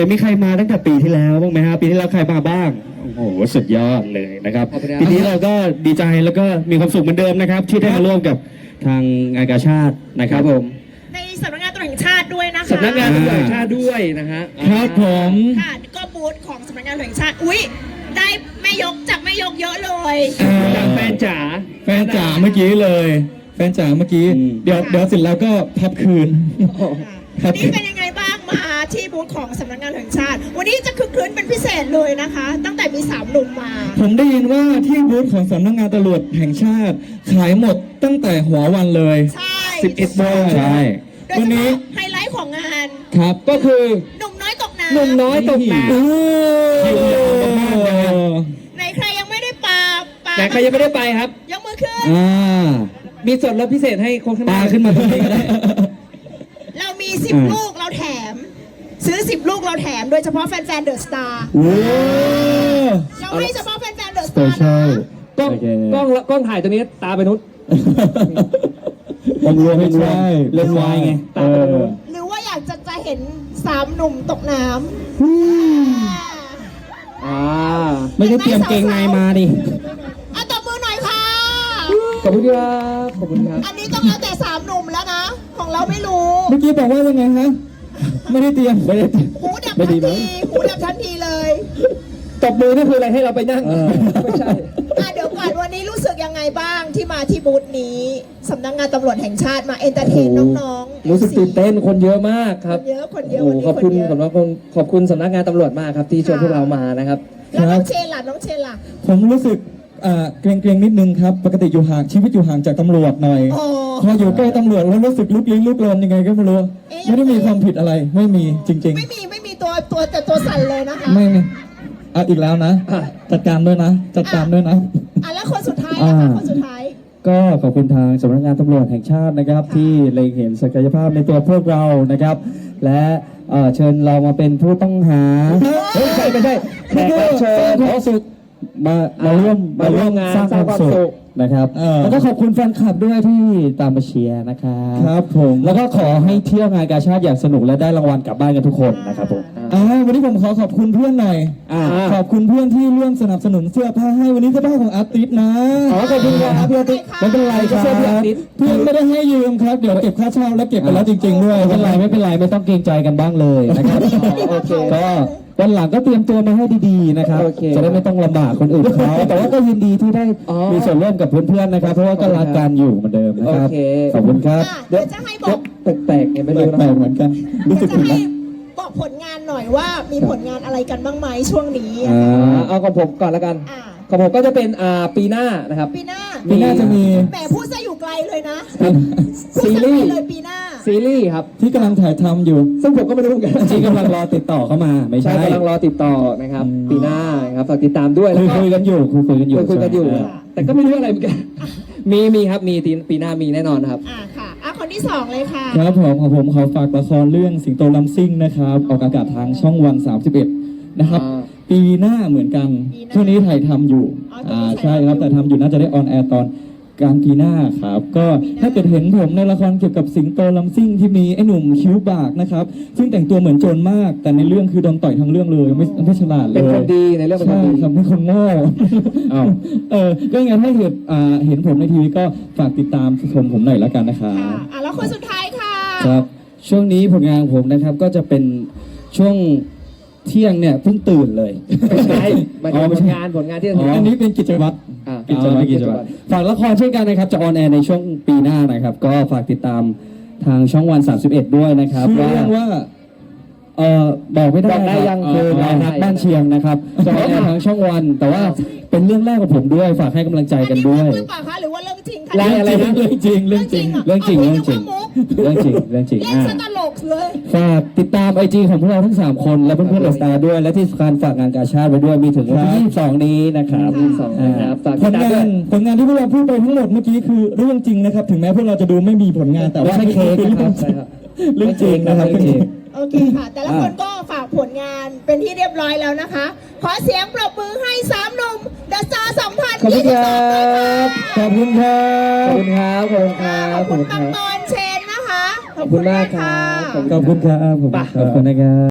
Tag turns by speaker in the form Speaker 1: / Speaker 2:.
Speaker 1: จะมีใครมาตั้งแต่ปีที่แล้วบ้างไหมฮะปีที่แล้วใครมาบ้างโอ้โหสุดยอดเลยนะครับปีนี้เราก็ดีใจแล้วก็มีความสุขเหมือนเดิมนะครับที่ได้มาร่วมกับทางงานกาชาตินะครับผม
Speaker 2: ในสำนักงานตำรวจแห่งชาติด้วยนะคะ
Speaker 3: สำนักงานตำรวจแห่งชาติด้วยนะฮะ
Speaker 1: ครับผม
Speaker 2: ค่ะก็บูธของสำนักงานตำรวจแห่งชาติอุ๊ยได้แม่ยกจากแม่ยกเยอะเลย
Speaker 3: จากแฟนจ๋า
Speaker 1: เมื่อกี้เลยแฟนจ๋าเมื่อกี้เดี๋ยวเสร็จแล้วก็พับคืน
Speaker 2: นี่เป็นยังไงบ้างมาที่บูธของสำนักงานแห่งชาติวันนี้จะคึกคืนเป็นพิเศษเลยนะคะ ตั้งแต่มี3 หนุ่มมา
Speaker 1: ผมได้ยินว่าที่บูธของสำนักงานตำรวจแห่งชาติขายหมดตั้งแต่หัววันเลย
Speaker 2: ใช่
Speaker 1: 11 โมงใช่
Speaker 2: วันนี้ไฮไลท์ของงาน
Speaker 1: ครับก็คือ
Speaker 2: หนุ่มน้อยตกน้ำไหนใครยังไม่ได้ปลา
Speaker 3: ไหนใครยังไม่ได้ไปครับ
Speaker 2: ยกมือขึ้น
Speaker 3: มีส่วนลดพิเศษให้โค้ช
Speaker 1: ปลาขึ้นมาตรงนี้ก็ได้
Speaker 2: เรามี10 ลูกเราแถมซื้อ10 ลูกเราแถมโดยเฉพาะแฟนๆเดอะสตาร์เราไม่เฉพาะแฟนๆเดอะสตาร์นะ
Speaker 3: กล้องถ่ายตัวนี้ตาไปนุช
Speaker 1: ผมรวมให้ใช่เล่นวายไง
Speaker 2: หรือว่าอยากจะเห็น3 หนุ่มตกน้ำ
Speaker 1: ไม่ได้เตรียมเกงในมาดิ
Speaker 2: ตบมือหน่อยค่ะ
Speaker 3: ขอบคุณครับขอบคุณครับ
Speaker 2: อันนี้ต้องเอาแต่3 หนุ่มแล้วนะของเราไม่รู้
Speaker 1: เมื่อกี้บอกว่ายังไงฮะไม่ได้เตรียม
Speaker 2: หูดับทันทีเลย
Speaker 3: ตบมือนี่คืออะไรให้เราไปนั่งไม่ใช่
Speaker 2: เดี๋ยวก่อนวันนี้รู้สึกยังไงบ้างที่มาที่บูธนี้สำนักงานตำรวจแห่งชาติมาเอนเตอร์เทนน้อง
Speaker 3: ๆรู้สึกตื่นเต้นคนเยอะมากครับ
Speaker 2: คนเยอะ
Speaker 3: ขอบคุณสำนักงานตำรวจมากครับที่ชวนพวกเรามานะครับ
Speaker 2: แล้วน้องเชนล่ะ
Speaker 1: ผมรู้สึกเกรงนิดนึงครับปกติอยู่ห่างชีวิตอยู่ห่างจากตำรวจหน่อยพออยู่ใกล้ตำรวจแล้วรู้สึกลุกลี้ลุกลนยังไงก็ไม่รู้ไม่ได้มีความผิดอะไรไม่มีจริงๆ
Speaker 2: ไม่มีตัวสั่นเลยนะคะ
Speaker 1: ไม่อีกแล้วนะจัดการด้วยนะ
Speaker 2: แล้วคนสุดท้าย
Speaker 1: ก็ขอบคุณทางสำนักงานตำรวจแห่งชาตินะครับที่เล็งเห็นศักยภาพในตัวพวกเรานะครับและเชิญเรามาเป็นผู้ต้องหา
Speaker 3: ไม่ใช่แขกรับเชิญขอสุด
Speaker 1: มาร่วมงานสร้างความสุขนะครับแล้วก็ขอบคุณแฟนคลับด้วยที่ตามมาเชียร์นะครับผมแล้วก็ขอให้เที่ยวงานกาชาติอย่างสนุกและได้รางวัลกลับบ้านกันทุกคนนะครับผมวันนี้ผมขอบคุณเพื่อนหน่อยขอบคุณเพื่อนที่ร่วมสนับสนุนเสื้อผ้าให้วันนี้เสื้อผ้าของอาร์ติสนะ
Speaker 3: ขอบคุณครับพี่อาร์ติส
Speaker 1: ไม่เป็นไรครับเพื่อนไม่ได้ให้ยืมครับเดี๋ยวเก็บค่าเช่าแล้วเก็บไปแล้วจริงๆด้วยไม่เป็นไรไม่ต้องเกรงใจกันบ้างเลยนะครับ
Speaker 3: โอเค
Speaker 1: ก็วันหลังก็เตรียมตัวมาให้ดีๆนะครับจะได้ไม่ต้องลำบากคนอื่นเขาแต่ว่าก็ยินดีที่ได้มีส่วนร่วมกับเพื่อนๆนะครับเพราะว่าก็รักกันอยู่เหมือนเดิมนะครับขอบคุณครับ
Speaker 2: เดี๋ยวจะให้บอก
Speaker 3: แปลกๆไม่รู้นะ
Speaker 1: แปลกเหมือนกันรู้สึกผิดนะ
Speaker 2: บอกผลงานหน่อยว่ามีผลงานอะไรกันบ้างไหมช่วงนี้
Speaker 3: เอาของผมก่อนละกันของผมก็จะเป็นปีหน้านะครับ
Speaker 2: ปีหน้า
Speaker 1: จะมี
Speaker 2: แหมพูดซะอยู่ไกลเลยนะ
Speaker 3: ซีรีส์
Speaker 2: เลยปีหน้า
Speaker 3: ซีรีส์ครับ
Speaker 1: ที่กำลังถ่ายทำอยู่
Speaker 3: ซึ่งผมก็ไม่รู้เหมือนกัน
Speaker 1: ที่กำลังรอติดต่อเข้ามาไม่ใช่
Speaker 3: กำลังรอติดต่อนะครับปีหน้าครับฝากติดตามด้วยแล้ว
Speaker 1: คุยกันอยู่
Speaker 3: แต่ก็ไม่รู้อะไรเหมือนกันมีครับมีปีหน้ามีแน่นอนครับ
Speaker 2: ค่ะคนที่2เลยค่ะ
Speaker 1: ครับผมขอฝากละครเรื่องสิงโตลำซิ่งนะครับออกอากาศทางช่องวัน31นะครับปีหน้าเหมือนกันช่วงนี้ถ่ายทำอยู่ใช่ครับแต่ทำอยู่น่าจะได้ออนแอร์ตอนกลางปีหน้าครับก็ถ้าเกิดเห็นผมในละครเกี่ยวกับสิงโตลำซิ่งที่มีไอ้หนุ่มคิ้วบากนะครับซึ่งแต่งตัวเหมือนโจรมากแต่ในเรื่องคือโดนต่อยทั้งเรื่องเลยไม่ฉลาดเลย
Speaker 3: เป็นคนดีในเรื่องเป็นคนดี
Speaker 1: ทำให้คนโง่ก็งั้นถ้าเห็นผมในทีวีก็ฝากติดตามชมผมหน่อยแล้วกันนะครับ
Speaker 2: แล้วคนสุดท้ายค่ะ
Speaker 1: ครับช่วงนี้ผลงานของผมนะครับก็จะเป็นช่วงเที่ยงเนี่ยเพิ่งตื่นเลย
Speaker 3: ไม่ใช่ผลงานที่
Speaker 1: อันนี้เป็นกิจวัตรฝากละครเช่นกันนะครับจะออนแอร์ในช่วงปีหน้านะครับก็ฝากติดตามทางช่องวัน31ด้วยนะครับว่าบอกไม่ได้
Speaker 3: ยัง
Speaker 1: คือเรารักบ้านเชียงนะครับจะออนแอร์ทางช่องวันแต่ว่าเป็นเรื่องแรกของผมด้วยฝากให้กำลังใจกันด้วย
Speaker 2: หรือเปล่าคะหรือว่าเรื่องจริงคะ
Speaker 1: เรื่องจริงเรื่องจริง
Speaker 2: ตลกเลย
Speaker 1: ฝากติดตาม IG ของพวกเราทั้ง3คนและเพื่อนๆเดอะสตาร์ด้วยและที่สำคัญฝากงานกาชาติไว้ด้วยมีถึงวันที่22นี้นะครับผลงานที่พวกเราพูดไปทั้งหมดเมื่อกี้คือเรื่องจริงนะครับถึงแม้พวกเราจะดูไม่มีผลงานแต่ว่าเรื่องจริงนะครับ
Speaker 2: โอเคค่ะแต่ละคนก็ฝากผลงานเป็นที่เรียบร้อยแล้วนะคะขอเสียงปรบมือให้3 หนุ่มเดอะสตาร์2022
Speaker 1: ขอบคุณครับ
Speaker 3: ขอบคุณ
Speaker 2: ปังปอนเชนนะคะ
Speaker 3: ขอบคุณมากครับ
Speaker 1: ขอบคุณนะครับ